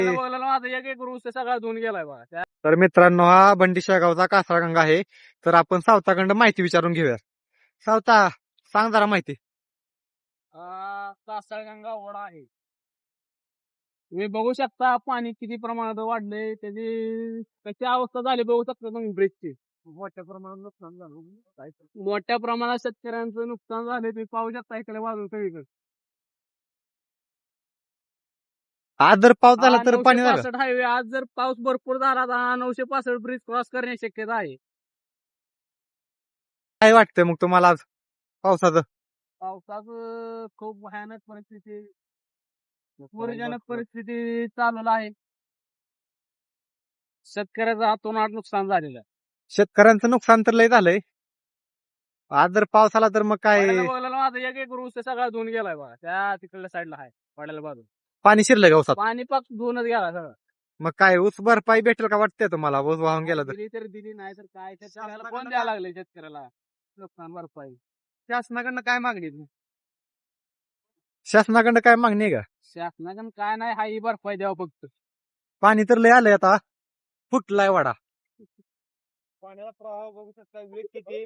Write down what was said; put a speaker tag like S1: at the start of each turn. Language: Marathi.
S1: बघायला माझा एक एक ऊस सगळा धुवून गेलाय बघा.
S2: तर मित्रांनो, हा बंडी शेगावचा कासरागंगा आहे. तर आपण सावताकडं माहिती विचारून घेऊया. सावता, सांग जरा माहिती.
S1: कासळगंगा ओढा आहे. तुम्ही बघू शकता पाणी किती प्रमाणात वाढलंय, त्याची कशी अवस्था झाली बघू शकता तुम्ही ब्रिजची. मोठ्या प्रमाणात नुकसान झालं. मोठ्या प्रमाणात शेतकऱ्यांचं नुकसान झालंय, तुम्ही पाहू शकता इकडे बाजूला सगळीकडे.
S2: आज जर पाऊस झाला तर पाणी झालं.
S1: 965 हायवे आज जर पाऊस भरपूर झाला तर हा 965 ब्रिज क्रॉस करण्याची शक्यता आहे.
S2: काय वाटतंय मग तुम्हाला आज पावसाचं?
S1: पावसाचं खूप भयानक परिस्थिती, पूरजनक परिस्थिती चालू आहे. शेतकऱ्याचं हातोनात नुकसान झालेलं आहे.
S2: शेतकऱ्यांचं नुकसान तर लय झालंय. आज जर पाऊस आला तर मग काय
S1: बघायला माझा एक एक ऊस सगळा धुवून गेलाय बघा. त्या तिकडल्या साईडला आहे वाड्याला बाजू.
S2: पाणी शिरलंय का ऊसात?
S1: पाणी पाक धुवूनच गेला सगळं.
S2: मग काय ऊस भरपाई भेटेल का वाटतंय तुम्हाला? ऊस वाहून गेला तर
S1: दिली तर दिली, नाही तर काय शेतकऱ्याला कोण द्यायला लागले शेतकऱ्याला नुकसान भरपाई?
S2: शासनाकडनं काय मागणी आहे? शासनाकडनं काय मागणी आहे का?
S1: शासनाकडून काय नाही, हा ही भरपाई द्यावं फक्त.
S2: पाणी तर लय आलंय आता, फुटलाय वाडा.
S1: पाण्याचा प्रवाह बघू शकता, वेग किती.